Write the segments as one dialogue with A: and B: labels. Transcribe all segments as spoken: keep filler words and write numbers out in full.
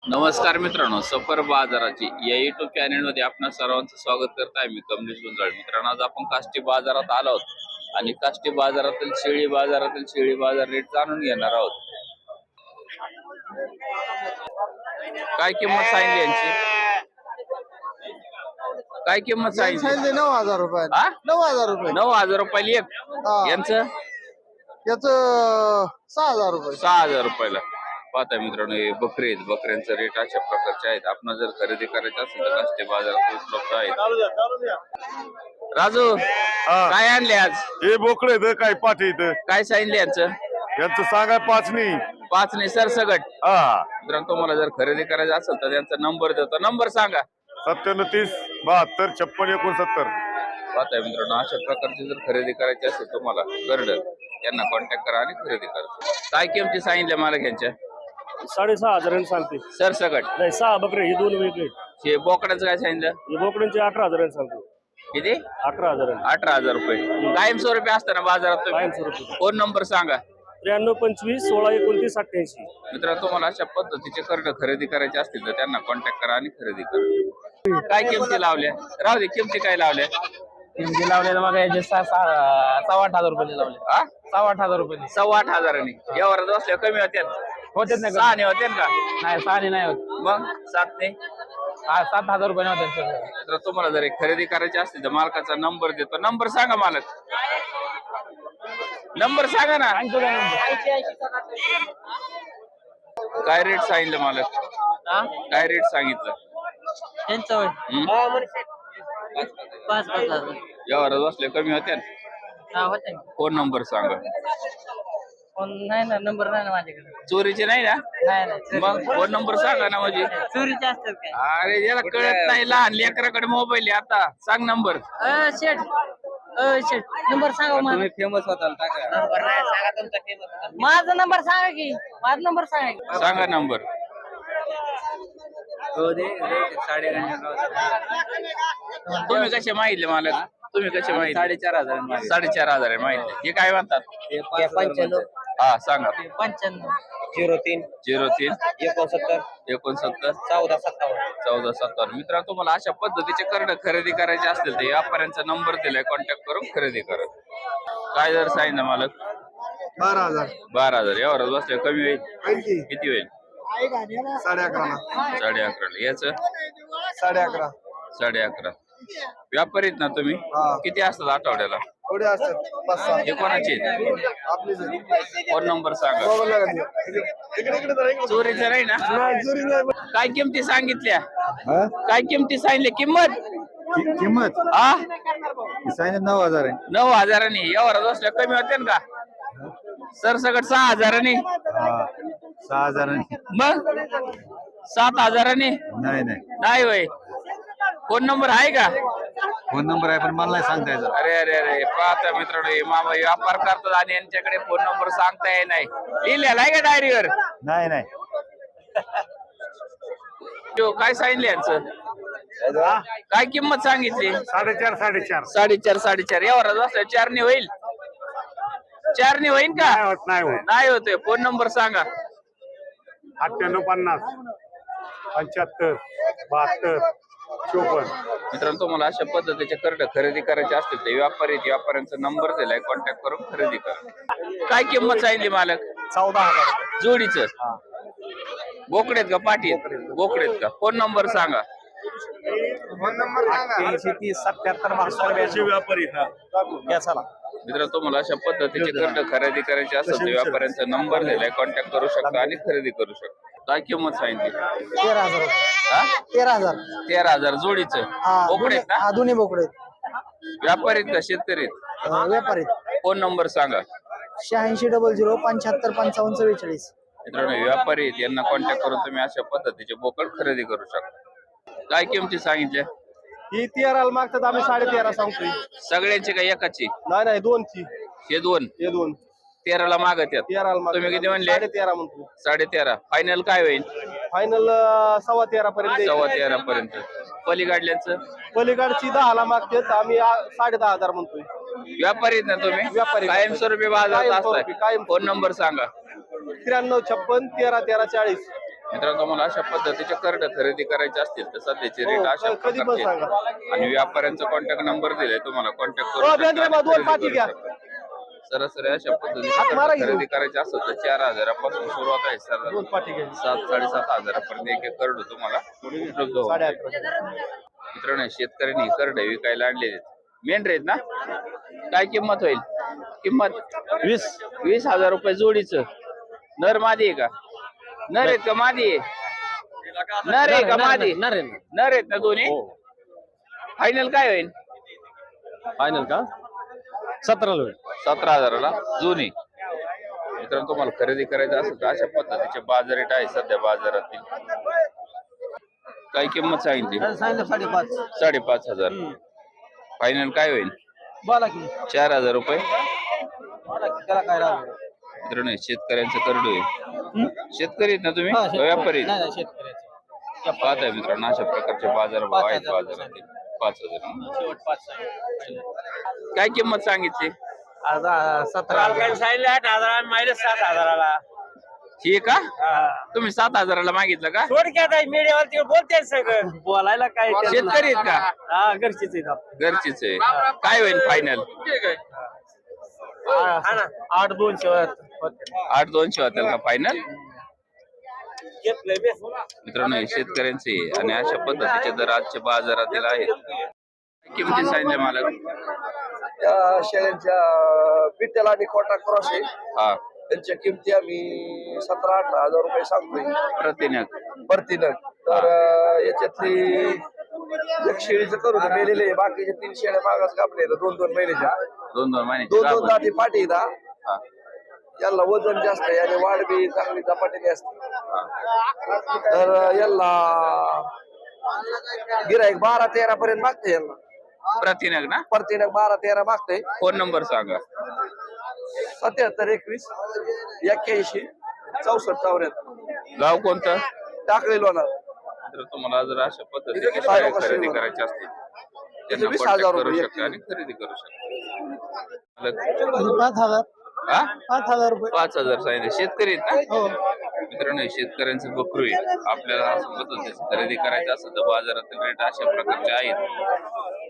A: नमस्कार मित्रांनो, सफर बाजाराची या युट्यूब चॅनल मध्ये आपण सर्वांचं स्वागत करत आहे. मी कमलेश गुंजाळ. मित्रांनो, आज आपण काष्टी बाजारात आलो आहोत आणि काष्टी बाजारातील शेळी बाजारातील शेळी बाजार रेट जाणून घेणार आहोत. काय किंमत सांगितली यांची? काय किंमत सांगितली?
B: नऊ हजार रुपये.
A: हा?
B: नऊ हजार रुपये.
A: नऊ हजार रुपयाला एक. यांचं
B: याच सहा हजार रुपये.
A: सहा हजार रुपयाला. पाहता मित्रांनो, हे बकरे आहेत. बकऱ्यांचा रेट अशा प्रकारचे आहेत. आपण जर खरेदी करायचं असेल तर काष्टी बाजारात उपलब्ध आहेत. राजू, काय आणले आज?
C: हे बोकडे इथं काय पाठी इथं
A: काय सांगितले यांचं?
C: यांचं सांगाय पाच नाही
A: पाच नाही सरसगट.
C: हा
A: मित्रांनो, तुम्हाला जर खरेदी करायचं असेल तर त्यांचा नंबर देतो. नंबर सांगा.
C: सत्त्याण्णव तीस बहात्तर छप्पन एकोणसत्तर.
A: पाहताय मित्रांनो, अशा प्रकारची जर खरेदी करायची असेल तुम्हाला गर्डर यांना कॉन्टॅक्ट करा आणि खरेदी करा. काय किमती सांगितल्या मला यांच्या?
D: साडेसहा हजारांनी सांगते.
A: सरसगट
D: नाही, सहा बकरे हे दोन वेगळे.
A: हे बोकडाचं काय सांगितलं?
D: हे बोकड्यांचे अठरा हजारांनी सांगते.
A: किती?
D: अठरा हजारांनी.
A: अठरा हजार रुपये कायमस्वरूपी असताना बाजारात तुम्ही.
D: कायमस्वरूपी.
A: फोन नंबर सांगा.
D: त्र्याण्णव पंचवीस सोळा एकोणतीस अठ्ठ्याऐंशी.
A: मित्रांनो, तुम्हाला अशा पद्धतीचे कर्ड खरेदी करायचे असतील तर त्यांना कॉन्टॅक्ट करा आणि खरेदी करा. काय किमती लावल्या? राहू दे, किमती काय लावल्या?
E: किमती लावले मग याचे सहा सव्वा आठ हजार रुपये लावले.
A: हा,
E: सव्वा आठ हजार रुपये
A: सव्वा आठ हजारांनी. यावर बसल्या कमी होत्या?
E: होतेच नाही.
A: सहा ने होते का?
E: नाही, सहा नाही होत.
A: मग सात ने?
E: हा, सात हजार रुपये नव्हते.
A: तर तुम्हाला जर एक खरेदी करायची असतील तर मालकाचा नंबर देतो. नंबर सांगा मालक. नंबर सांगा ना. काय रेट सांगितलं मालक? काय रेट सांगितलं? हम्म?
F: पाच पाच हजार
A: यावर बसले कमी होत्या?
F: हा होते.
A: फोन नंबर सांगा.
F: फोन नाही ना, नंबर नाही ना माझ्याकडे.
A: चोरीचे नाही ना?
F: नाही नाही,
A: मग फोन नंबर सांगा ना. म्हणजे
F: चोरीचे असतात काय?
A: अरे, याला कळत नाही. लहान लेकराकडे मोबाईल आहे. आता सांग नंबर.
F: अ शेट अ शेट नंबर सांगा मला.
E: फेमस होता.
F: नंबर नाही सांगा तुमचा फेमस. माझा नंबर सांगा की. माझा नंबर सांगा की.
A: सांगा नंबर. तुम्ही कसे माहितले मालक? तुम्ही कसे माहिती?
E: साडेचार हजार.
A: साडेचार हजार आहे माहिती. हे काय म्हणतात?
F: पंच्याण्णव
A: हा, सांगा.
F: पंच्याण्णव
E: झिरो तीन
A: झिरो तीन
E: एकोणसत्तर
A: एकोणसत्तर
E: चौदा सत्तावन्न.
A: चौदा सत्तावन्न. मित्रांनो, तुम्हाला अशा पद्धतीचे कर्ड खरेदी करायचे असतील तर व्यापाऱ्यांचा नंबर दिलाय, कॉन्टॅक्ट करून खरेदी करा. काय जर सांगितलं मालक?
B: बारा हजार.
A: बारा हजार. यावर बसल्या कमी होईल? किती होईल?
B: साडे अकरा.
A: साडे अकराला. याच
B: साडे अकरा.
A: साडे अकरा. व्यापारी आहेत ना तुम्ही?
B: हा.
A: किती असतात आठवड्याला?
B: थोडे असतात पाच सहा.
A: हे कोणाचे आहेत?
B: आपलीच आहे.
A: फोन नंबर सांगा.
B: मोबाईल लागत नाही. इकडे इकडे जरा इकडे.
A: चोरीचं नाही ना?
B: नाही, चोरी नाही.
A: काय किमती सांगितल्या? काय किमती सांगितल्या? किंमत
B: किंमत
A: हा,
B: नऊ हजार आहे.
A: नऊ हजारांनी. यावर बसल्या कमी होते का? सरसकट सहा हजारांनी.
B: सहा हजार.
A: मग सात हजारांनी
B: नाही नाही,
A: नाही होय. फोन नंबर आहे का?
B: फोन नंबर आहे पण मला नाही सांगता यायचं.
A: अरे अरे अरे, पाहता मित्रांनो, हे मामा व्यापार करतात आणि यांच्याकडे फोन नंबर सांगता येत नाही. लिहिलेला आहे का डायरीवर?
B: नाही नाही.
A: जो काय सांगितलं यांचं? काय किंमत सांगितली?
C: साडेचार साडेचार.
A: साडेचार साडेचार. यावर बसल्या चारने होईल? चारने होईल का?
C: नाही होत.
A: नाही होते. फोन नंबर सांगा.
C: अठ्ठ्याण्णव पन्नास पंच्याहत्तर बहात्तर चोपन्न.
A: मित्रांनो, तुम्हाला अशा पद्धतीचे कर्ड खरेदी करायचे असतील तर व्यापारी व्यापाऱ्यांचा नंबर दिलाय, कॉन्टॅक्ट करून खरेदी करा. काय किंमत सांगितली मालक?
C: चौदा हजार.
A: जोडीचं बोकडेत का पाठी? बोकडेत का? फोन नंबर सांगा.
B: फोन नंबर
C: अठ्ठ्याऐंशी तीस सत्याहत्तर बहात्तर व्यापारी.
A: मित्रांनो, तुम्हाला अशा पद्धतीचे कर्ड खरेदी करायचे असेल तर व्यापाऱ्यांचा नंबर दिलाय, कॉन्टॅक्ट करू शकता आणि खरेदी करू शकता. काय किंमत सांगितली?
B: तेरा हजार.
A: हा,
B: तेरा हजार.
A: तेरा हजार. जोडीचं बोकडेत ना?
B: हा, दोन्ही बोकडे.
A: व्यापारीत का शेतकरीत?
B: व्यापारी.
A: फोन नंबर सांगा.
B: शहाऐंशी डबल झिरो पंच्याहत्तर पंचावन्न चव्वेचाळीस.
A: मित्रांनो, व्यापारी आहेत, यांना कॉन्टॅक्ट करून तुम्ही अशा पद्धतीचे बोकड खरेदी करू शकता. काय किमती सांगितल्या?
D: ही तेराला मागतात, आम्ही साडे तेरा सांगतोय.
A: सगळ्यांची का एकाची?
D: नाही नाही, दोनची.
A: हे दोन.
D: हे दोन
A: तेराला मागत आहेत.
D: तेराला मागतात.
A: तुम्ही किती म्हणले?
D: साडे तेरा म्हणतो.
A: साडे तेरा. फायनल काय होईल?
D: फायनल सव्वा तेरा पर्यंत.
A: सव्वा तेरा पर्यंत. पलीकडल्यांचं?
D: पलीकडची दहाला मागतात, आम्ही साडे दहा हजार म्हणतोय.
A: व्यापारी आहेत ना तुम्ही?
D: व्यापारी.
A: कायमस्वरूपी बाजारात
D: कायमस्वरूपी,
A: असताय.
D: कायम.
A: फोन नंबर सांगा.
D: त्र्याण्णव छप्पन तेरा तेरा चाळीस.
A: मित्रांनो मला अशा पद्धतीचे करडे खरेदी करायचे असतील तर सध्याचे रेट अशा
D: हो, कधी पण
A: प्रकारचे
D: सांगा.
A: आहेत. आणि व्यापाऱ्यांचा कॉन्टॅक्ट नंबर दिलाय तुम्हाला कॉन्टॅक्ट
D: हो,
A: करू
D: बेंद्रे बा, दोन पाठी घ्या.
A: सरासरी अशा पद्धतीने
D: हात मारा
A: करडे
D: की
A: खरेदी करायचे असेल तर चार हजारापासून सुरुवात आहे सर
D: दोन पाठी घ्या.
A: सात साडेसात हजारापर्यंत एक एक करडू तुम्हाला उपलब्ध होऊन
D: साडे
A: जाईल.
D: अकरा.
A: मित्रांनो शेतकऱ्यांनी करडे विकायला आणलेले मेंढरे आहेत ना काय किंमत होईल किंमत
D: वीस
A: वीस हजार रुपये जोडीच नर मादी आहे का नर आहेत का मादी आहे नर आहे का मादी
E: नर आहे.
A: नर आहेत ना दोन्ही फायनल काय होईल
E: फायनल का सतराला होईल.
A: सतरा हजाराला जुनी मित्रांनो तुम्हाला खरेदी करायचं असेल तर अशा पद्धतीचे बाजार रेट आहे सध्या बाजारातील काय किंमत सांगितली
B: सांगितलं साडेपाच
A: साडेपाच हजार फायनल काय होईल
B: बोला की
A: चार हजार रुपये
B: बोला की त्याला काय राहणार
A: मित्रांनो शेतकऱ्यांचं करडू आहे शेतकरी आहेत ना तुम्ही का व्यापारी
B: नाही नाही शेतकऱ्याचे
A: पाहताय मित्रांनो अशा प्रकारचे बाजार भाव आहेत बाजारातील पाच हजार
B: शेवट पाच
A: काय किंमत सांगितली
B: सतरा
F: सांगितले आठ हजार मायनस सात हजाराला
A: ही का तुम्ही सात हजाराला मागितलं का
F: थोडक्यात मीडियावर तिकडे बोलते सगळं बोलायला काय
A: शेतकरी आहेत का
F: हा घरचीच आहेत आपली.
A: घरचीच आहे काय होईल फायनल
F: हा ना आठ दोनशे
A: आठ दोनशे होतील का फायनल
F: घेतलंय बे.
A: मित्रांनो हे शेतकऱ्यांचे आहे आणि अशा पद्धतीचे दर आजच्या बाजारातील आहेत किमती सांगितले मला
D: त्या शेळ्यांच्या बिट्याला आणि कोटा क्रॉस आहे
A: हा
D: त्यांच्या किमती आम्ही सतरा अठरा हजार रुपये सांगतोय
A: प्रतिनग
D: प्रतिनग तर अं, याच्यातली एक शेळीचं करू तर मेलेले आहे. बाकीचे तीन शेळ्या मागास कापले दोन दोन महिन्याच्या
A: दोन दोन महिन्याची
D: दोन दोन
A: गाभण.
D: दाती पाठी येतात
A: हा,
D: याला वजन जास्त आहे आणि वाढ बी चांगली झपाट्याने असते
A: हा.
D: तर याला गिराईक बारा तेरा पर्यंत मागते याला
A: प्रतिनग ना
D: प्रतिनग बारा तेरा मागते
A: फोन नंबर सांगा
D: सत्याहत्तर एकवीस एक्क्याऐंशी चौसष्ट चौऱ्याहत्तर
A: गाव कोणतं
D: टाकळी लोणार
A: तर तुम्हाला जर अशा पद्धतीने
D: इथे
A: शेळ्या
D: किती
A: खरेदी
D: लोकं
A: करायचे असतील त्यांना
D: वीस
A: कॉन्टॅक्ट
D: हजार
A: करू
D: रुपये
A: शकता आणि खरेदी करू शकता
B: पाच हजार
A: हा
B: पाच हजार रुपये
A: पाच हजार सांगितले शेतकरी आहेत ना मित्रांनो शेतकऱ्यांचं बकरू आहे आपल्याला असं पद्धतीचं खरेदी करायचं असेल तर बाजारातील रेट अशा प्रकारचे आहेत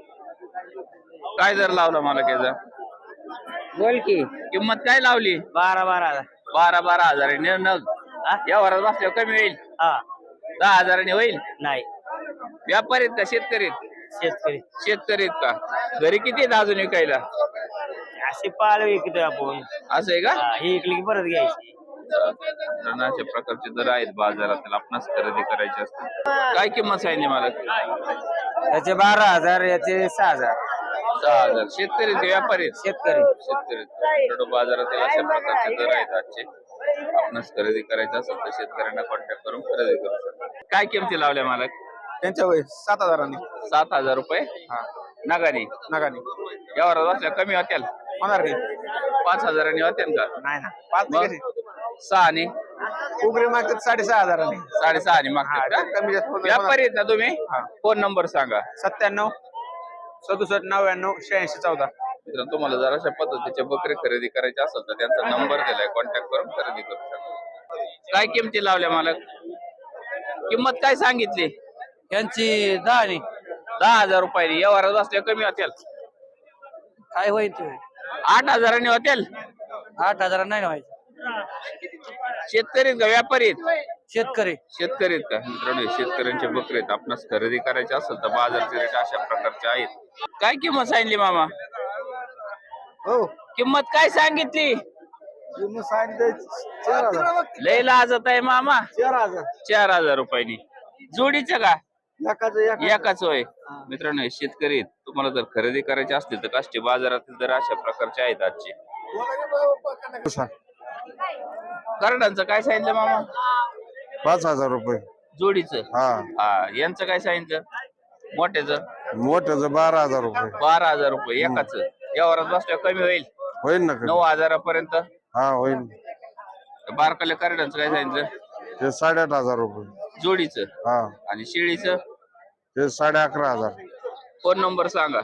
A: काय दर लावला मला त्याचा
F: बोल की
A: किंमत काय लावली
F: बारा बारा हजार
A: बारा बारा हजार आहे नग या वरात बसल्यावर कमी होईल
F: हा
A: दहा हजारांनी होईल
F: नाही
A: व्यापारी आहेत का शेतकरी आहेत?
F: शेतकरी
A: शेतकरी आहेत का घरी किती आहेत अजून विकायला
F: अशी पाळ विकतोय आपण
A: असं आहे का
F: हा, ही विकली की परत घ्यायची
A: तर अशा प्रकारचे दर आहेत बाजारातील आपणास खरेदी करायची असते काय किंमत सांगितली मला
F: याचे बारा हजार याचे सहा हजार
A: सहा हजार शेतकरी आहेत का व्यापारी आहेत?
F: शेतकरी
A: शेतकरी आहेत. इकडं बाजारातील अशा प्रकारचे दर आहेत आजचे आपणास खरेदी करायचं असेल तर शेतकऱ्यांना कॉन्टॅक्ट करून खरेदी करू शकता काय किमती लावल्या मला
D: त्यांच्या वय सात हजारांनी
A: सात हजार रुपये नगाने
D: नगाने
A: यावर बसल्या कमी होत्याल
D: होणार नाही
A: पाच हजारांनी होत्याल का
D: नाही ना पाच
A: मग सहाने
D: उगरे मागतात साडेसहा हजारांनी
A: साडेसहाने मागतात का
D: कमी जास्त होणार.
A: व्यापारी आहेत ना तुम्ही फोन नंबर सांगा
D: सत्त्याण्णव सदुसष्ट नव्याण्णव शहाऐंशी चौदा
A: मित्रांनो तुम्हाला जर अशा पद्धतीचे बकरे खरेदी करायचे असेल तर त्यांचा नंबर दिलाय कॉन्टॅक्ट करून खरेदी करू शकता काय किमती लावल्या मला किंमत काय सांगितली
F: यांची दहा नाही
A: दहा हजार रुपयानी व्यवहारात बसल्या कमी होतील
F: काय होईल ते
A: आठ हजारांनी होतील
F: आठ हजार नाही व्हायचं
A: शेतकरी आहेत का व्यापारी आहेत
F: शेतकरी
A: शेतकरी आहेत का मित्रांनो शेतकऱ्यांचे बकरे आहेत आपणास खरेदी करायचे असेल तर बाजारचे रेट अशा प्रकारचे आहेत काय किंमत सांगितली मामा
D: हो
A: किंमत काय सांगितली
D: चार हजार
A: लय लाजत आहे मामा
D: चार हजार
A: चार हजार रुपयानी जोडीचं का
D: एकाच
A: एकाच होय मित्रांनो हे शेतकरी आहेत. तुम्हाला जर खरेदी करायची असतील तर काष्टी बाजारातील दर अशा प्रकारचे आहेत आजचे करडांचं काय सांगितलं मामा
C: पाच हजार रुपये
A: जोडीचं
C: हा
A: हा यांचं काय सांगितलं मोठ्याचं
C: मोठ्याचं बारा हजार रुपये
A: बारा हजार रुपये एकाच यावरात बसल्यावर कमी होईल
C: होईल ना
A: नऊ हजारापर्यंत
C: हा होईल
A: बारकाल्या करड्यांचं काय सांगितलं
C: ते साडेआठ हजार रुपये
A: जोडीचं
C: हा
A: आणि शिळीचं
C: ते साडे अकरा हजार
A: फोन नंबर सांगा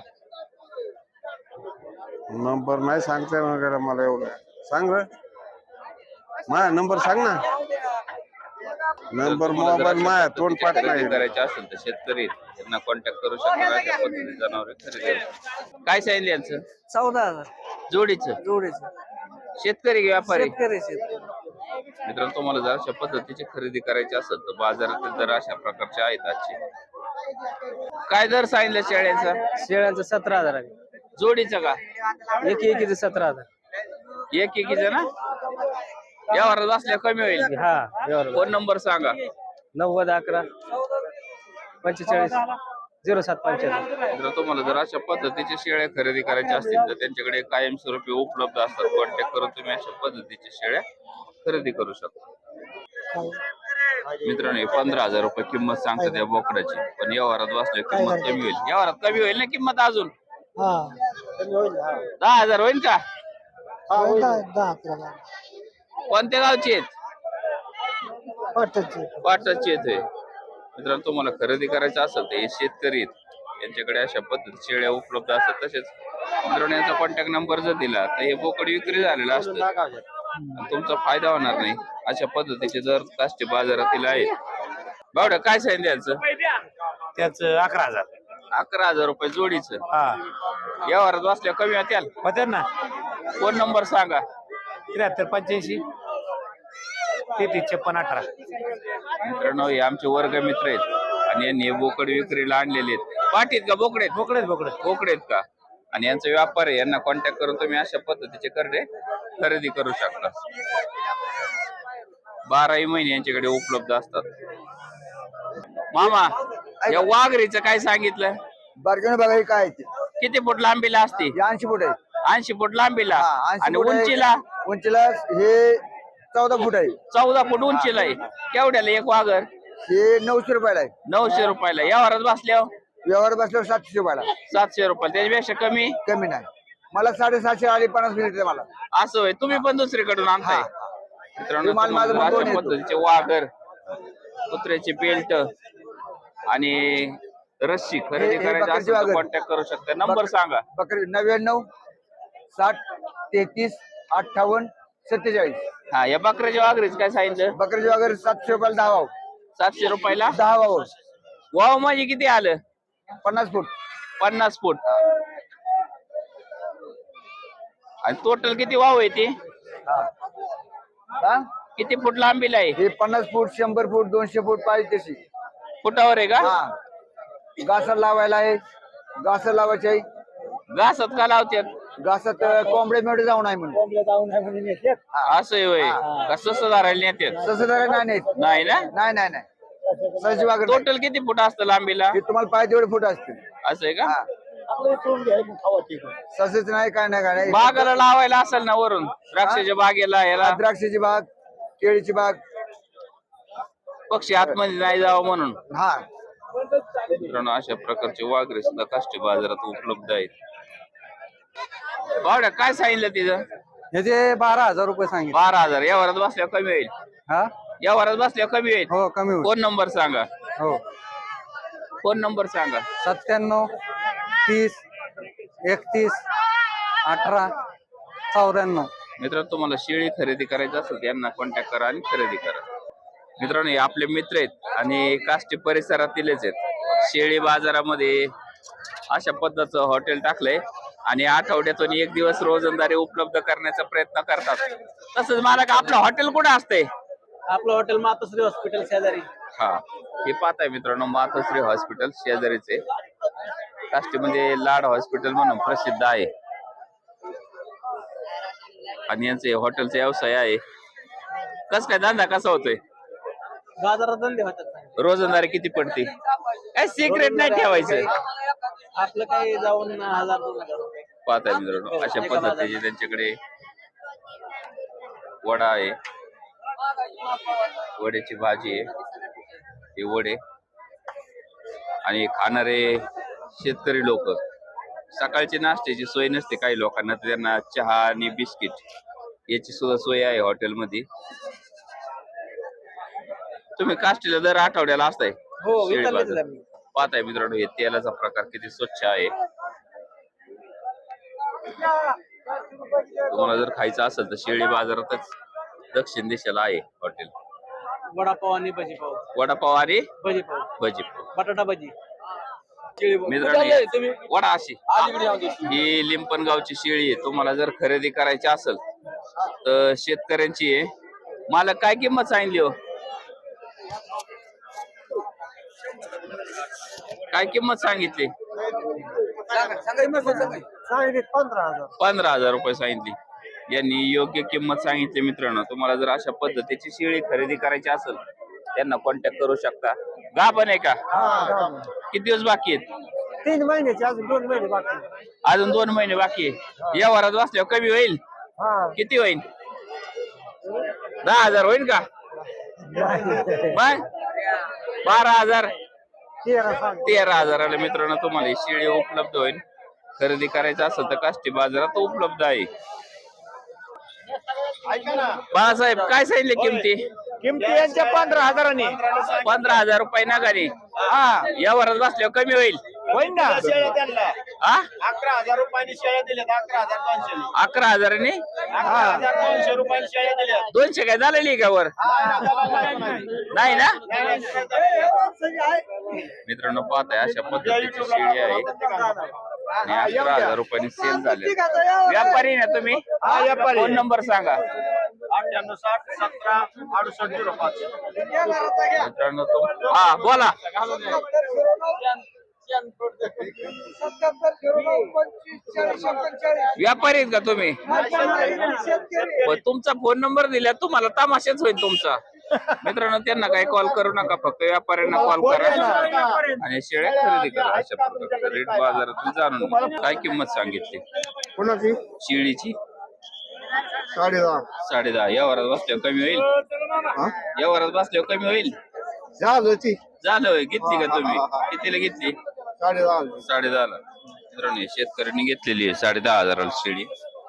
C: नंबर नाही सांगता वगैरे मला एवढं सांग रे माझा नंबर सांग ना नंबर
A: तुम्हाला जर
C: मोबाईल
A: अशा
C: माया
A: पद्धतीची
C: तोंड पाठ
A: खरेदी
C: नाही
A: करायचे असेल तर शेतकरी यांना कॉन्टॅक्ट करू शकतात अशा पद्धतीने जनावरे खरेदी करू. काय सांगितलं यांचं
B: चौदा हजार
A: जोडीचं
B: जोडीचे
A: शेतकरी की व्यापारी
B: शेतकरी शेतकरी
A: मित्रांनो तुम्हाला जर अशा पद्धतीची खरेदी करायची असेल तर बाजारातील दर अशा प्रकारचे आहेत आजचे. काय दर सांगितलं शेळ्यांचा
E: शेळ्यांचं सतरा हजार आहे
A: जोडीचं का
E: एक एकीचं सतरा हजार
A: एक एकीचं ना यावर असल्या कमी होईल
E: हा व्यवहार
A: फोन नंबर सांगा
E: नव्वद अकरा पंचेचाळीस झिरो सात पंच्याण्णव.
A: जर तुम्हाला जर अशा पद्धतीचे शेळ्या खरेदी करायच्या असतील तर त्यांच्याकडे कायमस्वरूपी उपलब्ध असतात. कॉन्टॅक्ट करून तुम्ही अशा पद्धतीच्या शेळ्या खरेदी करू शकता. मित्रांनो पंधरा हजार रुपये किंमत सांगतात या बोकडाची, पण व्यवहारात बसल्या किंमत कमी होईल. व्यवहारात कमी होईल ना किंमत अजून दहा हजार होईल का? कोणत्या गावची आहेत? पाटाची आहेत होय. मित्रांनो तुम्हाला खरेदी करायचं असेल तर हे शेतकरी आहेत, यांच्याकडे अशा पद्धती शेळ्या उपलब्ध असतात. तसेच मित्रांनो यांचा कॉन्टॅक्ट नंबर जर दिला तर हे बोकड विक्री झालेलं असतं आणि तुमचा फायदा होणार नाही. अशा पद्धतीचे दर काष्टी बाजारातील आहेत. बावड्या काय सांगितलं यांचं?
E: त्याच अकरा हजार
A: अकरा हजार रुपये जोडीचं.
E: हा
A: व्यवहारात बसल्या कमी होत्याल.
E: होते ना.
A: फोन नंबर सांगा.
E: त्र्याहत्तर पंच्याऐंशी तेहतीस छप्पन अठरा.
A: मित्रांनो हे आमचे वर्ग मित्र आहेत आणि यांनी हे बोकड विक्रीला आणलेले आहेत. पाठीत का बोकडेत?
E: बोकडेच बोकडे
A: बोकडेत का? आणि यांचा व्यापार आहे. यांना कॉन्टॅक्ट करून तुम्ही अशा पद्धतीचे करडे खरेदी करू शकता. बाराही महिने यांच्याकडे उपलब्ध असतात. मामा या वाघरीचं काय सांगितलं?
B: बारगण बघा काय
A: किती फूट लांबीला असते?
B: ऐंशी फूट आहे
A: ऐंशी फूट लांबीला
B: हा, ऐंशी
A: आणि
B: फूट आहे.
A: उंचीला
B: उंचीला हे चौदा फूट आहे.
A: चौदा फूट उंचीला आहे. केवढ्याला एक वाघर?
B: हे नऊशे रुपयाला आहे.
A: नऊशे रुपयाला. यावरच बसल्यावर
B: व्यवहार बसल्यावर सातशे रुपयाला.
A: सातशे रुपयाला. त्याच्यापेक्षा कमी
B: कमी नाही. मला साडेसातशे आले पन्नास मिनिट मला.
A: असं होय. तुम्ही पण दुसरीकडून आणताय. मित्रांनो
B: विमान माझं
A: तुम्हाला
B: बघून
A: अशा
B: येतो.
A: पद्धतीचे वाघर, कुत्र्याचे बेल्ट आणि रस्सी खरेदी
B: हे- हे
A: करायची
B: बकरीचे
A: असेल तर
B: वाघर.
A: कॉन्टॅक्ट करू शकता. नंबर
B: बक-
A: सांगा.
B: बकरी नव्याण्णव साठ तेहतीस अठ्ठावन्न सत्तेचाळीस.
A: हा या बकऱ्याच्या वाघरीच काय सांगितलं?
B: बकरीचे वगैरे सातशे रुपयाला दहा वाव.
A: सातशे रुपयाला
B: दहा वाव
A: वाव म्हणजे किती आलं?
B: पन्नास फूट.
A: पन्नास फूट. आणि टोटल किती वाव आहे ते?
B: हा. हा?
A: किती फूट लांबीला आहे?
B: हे पन्नास फूट शंभर फूट दोनशे फूट पाहिजे तशी.
A: फुटावर आहे का?
B: हा घासात लावायला आहे. घासात लावायचे आहे.
A: घासात का लावतात?
B: घासात कोंबडे मेढे जाऊन आहे म्हणून.
A: असं आहे होय. का सस धरायला नेतात?
B: तसं जरा नाही नाही
A: नाही ना.
B: नाही नाही नाही सहजी वागत नाही.
A: टोटल किती फूट असतं लांबीला?
B: हे तुम्हाला पाहिजे तेवढे फूट असतील.
A: असं आहे का?
B: हा तसंच नाही काय नाही काय नाही.
A: बागाला लावायला असेल ना वरून द्राक्षाच्या बागेला याला
B: द्राक्षाची बाग केळीची बाग.
A: पक्षी आतमध्ये नाही जावं म्हणून.
B: हा
A: मित्रांनो अशा प्रकारचे वाघरे सुद्धा काष्टी बाजारात उपलब्ध आहेत. बावड्या काय सांगितलं तिथं?
B: ह्याचे बारा हजार रुपये सांगितले.
A: बारा हजार. या वरात बसल्यावर कमी होईल.
B: हा
A: या वरात बसल्यावर कमी होईल.
B: हो कमी होईल.
A: फोन नंबर सांगा.
B: हो
A: फोन नंबर सांगा.
B: सत्त्याण्णव तीस एकतीस अठरा चौऱ्याण्णव.
A: मित्रांनो तुम्हाला शेळी खरेदी करायची असेल तर यांना कॉन्टॅक्ट करा आणि खरेदी करा. मित्रांनो हे आपले मित्र आहेत आणि काष्टी परिसरातीलच आहेत. शेळी बाजारामध्ये अशा पद्धतीचं हॉटेल टाकलंय आणि आठवड्यातून एक दिवस रोजंदारी उपलब्ध करण्याचा प्रयत्न करतात. तसंच मला का आपलं हॉटेल कुठं असतंय?
E: आपलं हॉटेल मातोश्री हॉस्पिटल शेजारी.
A: हा हे पाहताय मित्रांनो मातोश्री हॉस्पिटल शेजारीचे. काष्टीमध्ये लाड हॉस्पिटल म्हणून प्रसिद्ध आहे आणि यांचे हॉटेलचा व्यवसाय आहे. कस काय धंदा कसा होतोय?
E: बाजारात धंदे होतात.
A: रोजंदारी किती पडते? काय सिक्रेट नाही ठेवायचं.
E: आपलं काही जाऊन हजार दोन हजार रुपये.
A: पाहताय मित्रांनो अशा पद्धतीचे त्यांच्याकडे वडा आहे, वड्याची भाजी आहे, हे वडे आणि खाणारे शेतकरी लोक. सकाळची नाश्त्याची सोय नसते काही लोकांना, तर त्यांना चहा आणि बिस्किट याची सुद्धा सोय आहे हॉटेलमध्ये. तुम्ही काष्टीला दर आठवड्याला असताय?
E: हो
A: शेळी
E: विचारलं
A: बाजार. पाहताय मित्रांनो हे तेलाचा प्रकार किती स्वच्छ आहे. तुम्हाला जर खायचं असेल तर शेळी बाजारातच दक्षिण दिशेला आहे हॉटेल.
B: वडापाव आणि भजीपाव
A: वडापाव आणि
B: भजीपाव
A: भजीपाव.
B: बटाटा भजी
A: मित्रांनो वडा अशी ही लिंपणगावची शेळी आहे. तुम्हाला जर खरेदी करायची असेल तर शेतकऱ्यांची आहे. मला काय किंमत सांगितली हो? काय किंमत सांगितली?
B: सांगितले पंधरा हजार
A: पंधरा हजार रुपये सांगितली. यांनी योग्य किंमत सांगितली. मित्रांनो तुम्हाला जर अशा पद्धतीची शेळी खरेदी करायची असेल त्यांना कॉन्टॅक्ट करू शकता. गाभण आहे का? किती दिवस बाकी आहेत?
B: तीन महिन्याचे अजून दोन महिने बाकी
A: अजून दोन महिने बाकी आहे. या वरात बसल्यावर कमी होईल? किती होईल? दहा हजार होईल का? मग बारा हजार तेरा हजाराला मित्रांनो तुम्हाला ही शेळी उपलब्ध होईल. खरेदी करायचं असेल तर काष्टी बाजारात उपलब्ध आहे. बाळासाहेब काय सांगितले किमती?
B: किमती यांच्या पंधरा हजारांनी
A: पंधरा हजार रुपये नगाने. हा या वरात बसल्यावर कमी होईल?
B: होईल ना
A: हा
G: अकरा हजार रुपयांनी शेळ्या दिल्यात. अकरा हजार दोनशे
A: अकरा हजाराने
G: अकरा हजार दोनशे रुपयांनी शेळ्या दिल्यात.
A: दोनशे काय झालेली का वर? नाही ना मित्रांनो पाहताय अशा पद्धतीची शेळी आहे आणि अकरा हजार रुपयांनी सेल झाले. व्यापारी ना तुम्ही? फोन नंबर सांगा.
G: अठ्ठ्याण्णव साठ सतरा अडुसष्ट झिरो पाच.
A: मित्रांनो तुम हा बोला. व्यापारी आहेत का तुम्ही? पण तुमचा फोन नंबर दिला तुम्हाला तमाशाच होईल तुमचा. मित्रांनो त्यांना काही कॉल करू नका, फक्त व्यापाऱ्यांना कॉल करा आणि शेळ्या खरेदी करा. अशा प्रकारचा रेट बाजारातून जाणून काय किंमत सांगितली
C: कोणाची?
A: शेळीची?
C: साडे दहा.
A: साडे दहा. या वरात बसल्यावर कमी होईल? या वरात बसल्यावर कमी होईल?
C: झालं ती
A: झालं होय. घेतली का तुम्ही? कितीला घेतली?
C: साडे दहा.
A: साडे दहाला. मित्रांनो शेतकऱ्यांनी घेतलेली आहे साडे दहा हजाराला शेळी.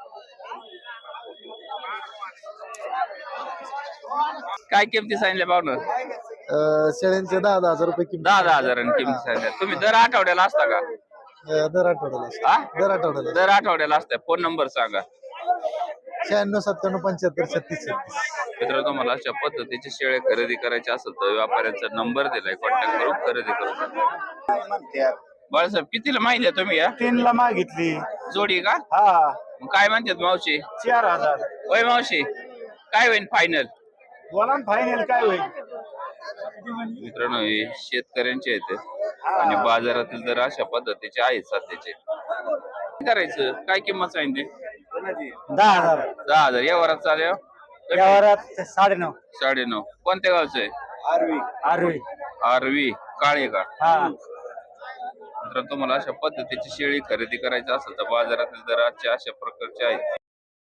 A: काय किमती सांगितल्या पाहुणं?
B: शेळ्यांचे दहा दहा हजार रुपये किंमत
A: दहा दहा हजारांनी किमती सांगितल्या. तुम्ही दर आठवड्याला असता का?
B: दर आठवड्याला
A: हा
B: दर आठवड्याला
A: दर आठवड्याला असता. फोन नंबर सांगा.
B: शहाण्णव सत्त्याण्णव पंच्याहत्तर छत्तीस छत्तीस.
A: मित्रांनो तुम्हाला अशा पद्धतीची शेळ्या खरेदी करायची असेल तर व्यापाऱ्यांचा नंबर दिलाय, कॉन्टॅक्ट करून खरेदी करू शकता. बाळासाहेब कितीला माहिती तुम्ही? या
B: तीन ला मागितली.
A: जोडी का?
B: हा
A: मग काय म्हणतात मावशी?
B: चार हजार.
A: होय मावशी काय होईल फायनल?
B: बोला फायनल काय होईल?
A: मित्रांनो हे शेतकऱ्यांचे आहेत आणि बाजारातील जर अशा पद्धतीचे आहेत सध्याचे. काय करायचं? काय किंमत सांगितली?
B: दहा हजार.
A: दहा हजार. या वरात चालेल?
B: यावरात साडे नऊ.
A: साडे नऊ. कोणत्या गावचं आहे?
B: आरवी आरवी
A: आरवी काळे का?
B: हा.
A: मित्रांनो तुम्हाला अशा पद्धतीची शेळी खरेदी करायची असेल तर बाजारातील दर आजच्या अशा प्रकारचे आहेत.